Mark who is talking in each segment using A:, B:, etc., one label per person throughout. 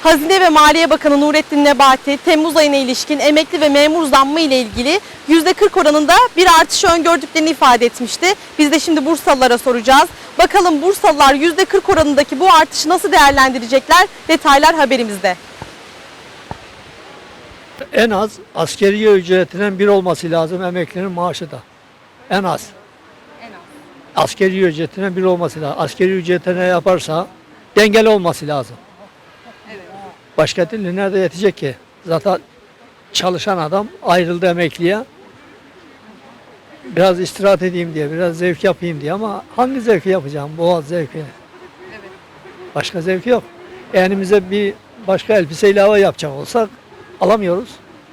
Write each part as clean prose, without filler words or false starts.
A: Hazine ve Maliye Bakanı Nurettin Nebati, Temmuz ayına ilişkin emekli ve memur zammı ile ilgili %40 oranında bir artış öngördüklerini ifade etmişti. Biz de şimdi Bursalılara soracağız. Bakalım Bursalılar %40 oranındaki bu artışı nasıl değerlendirecekler? Detaylar haberimizde.
B: En az asgari ücretinden bir olması lazım emeklinin maaşı da. En az. Asgari ücretinden bir olması lazım. Asgari ücretine yaparsa dengeli olması lazım. Başka türlü nerede yetecek ki? Zaten çalışan adam ayrıldı emekliye. Biraz istirahat edeyim diye, biraz zevk yapayım diye ama hangi zevki yapacağım? Boğaz zevki. Başka zevki yok. Elimize bir başka elbise ilave yapacak olsak alamıyoruz.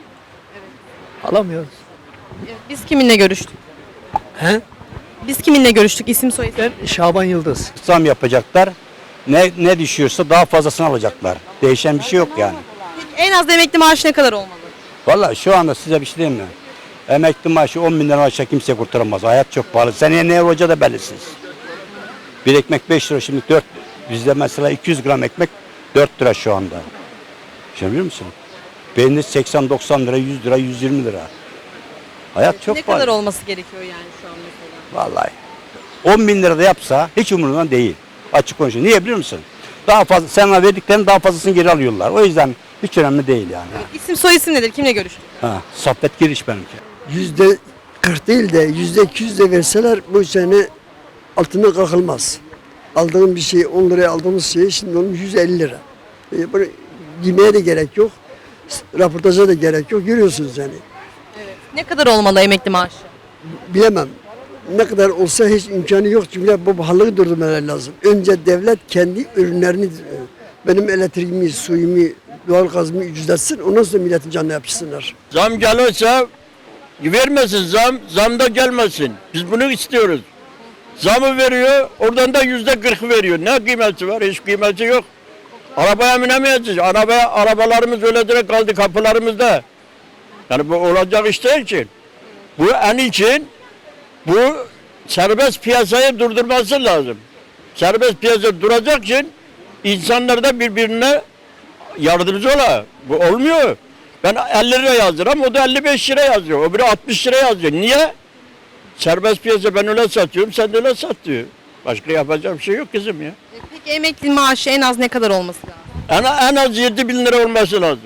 B: Alamıyoruz.
A: Biz kiminle görüştük?
B: He?
A: Biz kiminle görüştük? İsim soyisim.
B: Ben Şaban Yıldız.
C: Zam yapacaklar. Ne düşüyorsa daha fazlasını alacaklar. Değişen bir şey yok yani.
A: Peki en az emekli maaşı ne kadar olmalı?
C: Vallahi şu anda size bir şey diyeyim mi? Emekli maaşı 10 bin lira aşağı kimse kurtaramaz. Hayat çok pahalı. Seneye ne olacağı da belirsiz. Bir ekmek 5 lira, şimdi 4. Bizde mesela 200 gram ekmek 4 lira şu anda. Şimdi biliyor musun? Peynir 80-90 lira, 100 lira, 120 lira. Hayat çok
A: Ne
C: pahalı.
A: kadar olması gerekiyor yani şu an mesela?
C: Vallahi. 10 bin lira da yapsa hiç umurundan değil. Açık konuşuyor. Niye biliyor musun? Daha fazla, sana verdiklerinin daha fazlasını geri alıyorlar. O yüzden hiç önemli değil yani.
A: İsim soyisim nedir? Kimle görüştük?
C: Ha, sohbet giriş benimki.
D: %40 değil de %200 de verseler bu sene altına kalkılmaz. Aldığım bir şey 10 liraya aldığımız şey şimdi onun 150 lira. Bunu giymeye de gerek yok. Raportaja da gerek yok. Görüyorsunuz yani.
A: Ne kadar olmalı emekli maaşı?
D: Bilemem. Ne kadar olsa hiç imkanı yok. Çünkü bu pahalılığı durdurmaları lazım. Önce devlet kendi ürünlerini benim elektriğimi, suyumu, doğalgazımı ücretsin. Ondan sonra milletin canına yapışsınlar.
E: Zam gelirse vermesin zam da gelmesin. Biz bunu istiyoruz. Zamı veriyor, oradan da %40 veriyor. Ne kıymeti var? Hiç kıymeti yok. Arabaya binemeyeceğiz. Arabalarımız öyle direkt kaldı kapılarımızda. Yani bu olacak iş değil ki. Bu en için bu serbest piyasayı durdurması lazım. Serbest piyasa duracak için insanlar da birbirine yardımcı ola. Bu olmuyor. Ben 50 lira yazdıram, o da 55 lira yazıyor. O biri 60 lira yazıyor. Niye? Serbest piyasa, ben öyle satıyorum, sen de öyle sat diyor. Başka yapacak bir şey yok kızım ya.
A: Peki emekli maaşı en az ne kadar olması lazım?
E: En az 7 bin lira olması lazım.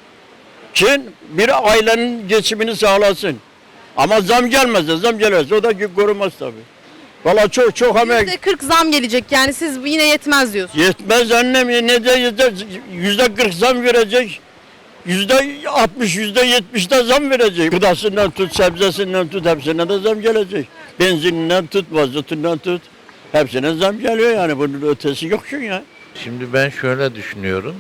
E: Ki bir ailenin geçimini sağlasın. Ama zam gelmezse o da korumaz tabii. Valla çok emek.
A: %40 zam gelecek yani siz yine yetmez diyorsunuz.
E: Yetmez annem, ne de %40 zam verecek. %60, %70 de zam verecek. Gıdasından tut, sebzesinden tut, hepsine de zam gelecek. Benzininden tut, mazotundan tut. Hepsine zam geliyor yani, bunun ötesi yok çünkü ya.
F: Şimdi ben şöyle düşünüyorum.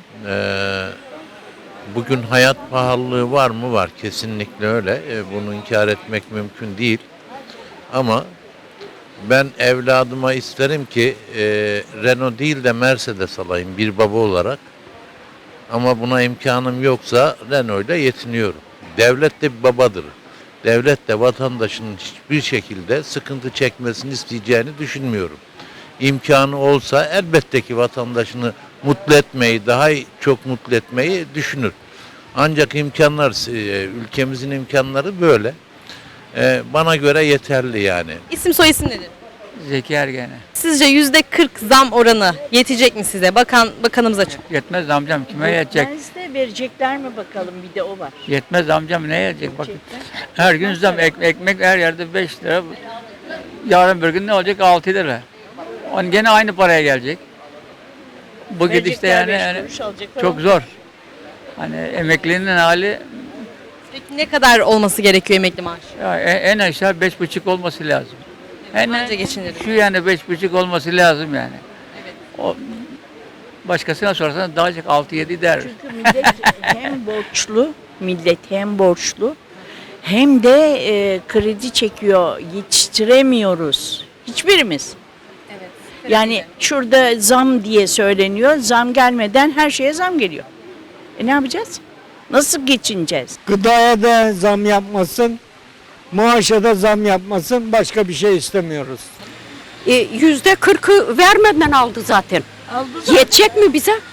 F: Bugün hayat pahalılığı var mı? Var. Kesinlikle öyle. Bunu inkar etmek mümkün değil. Ama ben evladıma isterim ki Renault değil de Mercedes alayım bir baba olarak. Ama buna imkanım yoksa Renault ile yetiniyorum. Devlet de bir babadır. Devlet de vatandaşının hiçbir şekilde sıkıntı çekmesini isteyeceğini düşünmüyorum. İmkanı olsa elbette ki vatandaşını mutlu etmeyi, daha çok mutlu etmeyi düşünür. Ancak ülkemizin imkanları böyle. Bana göre yeterli yani.
A: İsim soyisim nedir?
G: Zeki Ergen'e.
A: Sizce %40 zam oranı yetecek mi size? Bakanımız açık.
G: Yetmez amcam, kime yetecek?
H: Yetmez de verecekler mi bakalım, bir de o var.
G: Yetmez amcam, ne yetecek? Bakın
H: Verecekler.
G: her gün zam, ekmek her yerde 5 lira. Yarın bir gün ne olacak? 6 lira. On gene aynı paraya gelecek. Bu gidişte
H: Verecekler,
G: yani,
H: beş kuruş alacaklar.
G: çok zor. Hani emeklinin hali
A: Peki ne kadar olması gerekiyor emekli maaşı?
G: ya, en aşağı 5,5 olması lazım.
A: Anca geçinirim.
G: Şu yani 5,5 olması lazım yani. O, başkasına sorarsan daha çok 6-7 der.
H: Çünkü millet hem borçlu hem de kredi çekiyor, yetiştiremiyoruz hiçbirimiz. Yani şurada zam diye söyleniyor, zam gelmeden her şeye zam geliyor. Ne yapacağız? Nasıl geçineceğiz?
B: Gıdaya da zam yapmasın, maaşa da zam yapmasın, başka bir şey istemiyoruz.
I: %40'ı vermeden aldı zaten. Yetecek mi bize?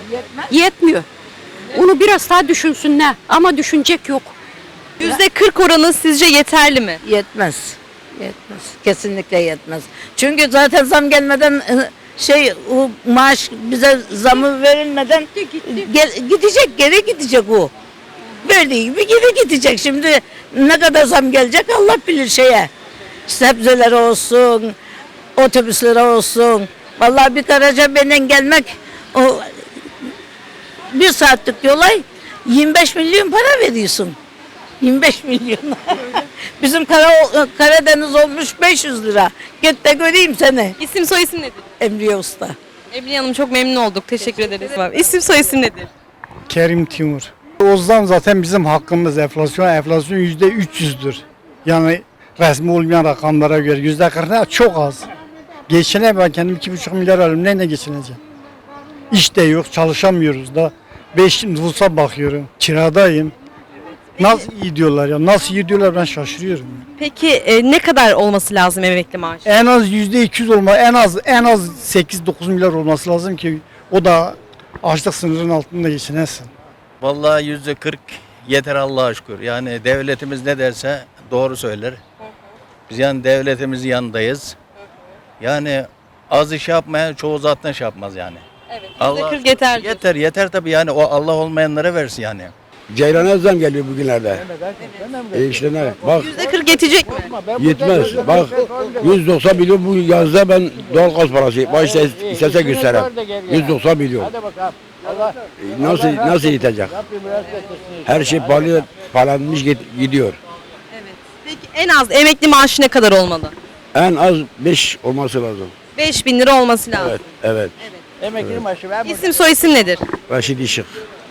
I: Yetmiyor. Onu biraz daha düşünsünler ama düşünecek yok.
A: %40 oranı sizce yeterli mi?
J: Yetmez. Yetmez. Kesinlikle yetmez. Çünkü zaten zam gelmeden o maaş bize zamı verilmeden gidecek, geri gidecek o. Verdiği gibi geri gidecek. Şimdi ne kadar zam gelecek Allah bilir şeye. Sebzelere olsun, otobüslere olsun. Vallahi bir Karacabey'den gelmek o bir saatlik yola 25 milyon para veriyorsun. 25 milyon. Bizim Karadeniz olmuş 500 lira. Git de göreyim seni.
A: İsim soy isim nedir?
J: Emriye Usta.
A: Emine Hanım çok memnun olduk. Teşekkür ederiz. İsim soy isim nedir?
K: Kerim Timur. O zam zaten bizim hakkımız. Enflasyon %300'dür. Yani resmi olmayan rakamlara göre %40 ne? Çok az. Ben kendim 2,5 milyar alıyorum. Neyle geçineceğim? İş de yok, çalışamıyoruz da. 5 nüfusa bakıyorum. Kiradayım. Nasıl iyi diyorlar ya? Nasıl iyi diyorlar ben şaşırıyorum.
A: Peki ne kadar olması lazım emekli maaşı?
K: En az %200 olma, en az 8-9 milyar olması lazım ki o da açlık sınırının altında geçinesin.
L: Vallahi %40 yeter Allah'a şükür. Yani devletimiz ne derse doğru söyler. Biz yani devletimizin yanındayız. Yani az iş yapmayan çoğu zaten iş yapmaz yani.
A: Evet.
L: Allah
A: %40 yeter.
L: yeter tabii yani o Allah olmayanlara versin yani.
C: Ceylan'a zam geliyor bugünlerde. İşte ne? Bak
A: %40 yetecek mi?
C: yetmez. Bak 190 milyon bu yazda ben doğalgaz parası. Başta istese göstereyim. 190 milyon. Nasıl yetecek? Her şey pahalanmış gidiyor.
A: Peki en az emekli maaşı ne kadar olmalı?
C: En az 5 olması lazım.
A: 5.000 lira olması lazım.
C: Evet.
E: Emekli maaşı
A: İsim soy isim nedir?
C: Raşit Işık.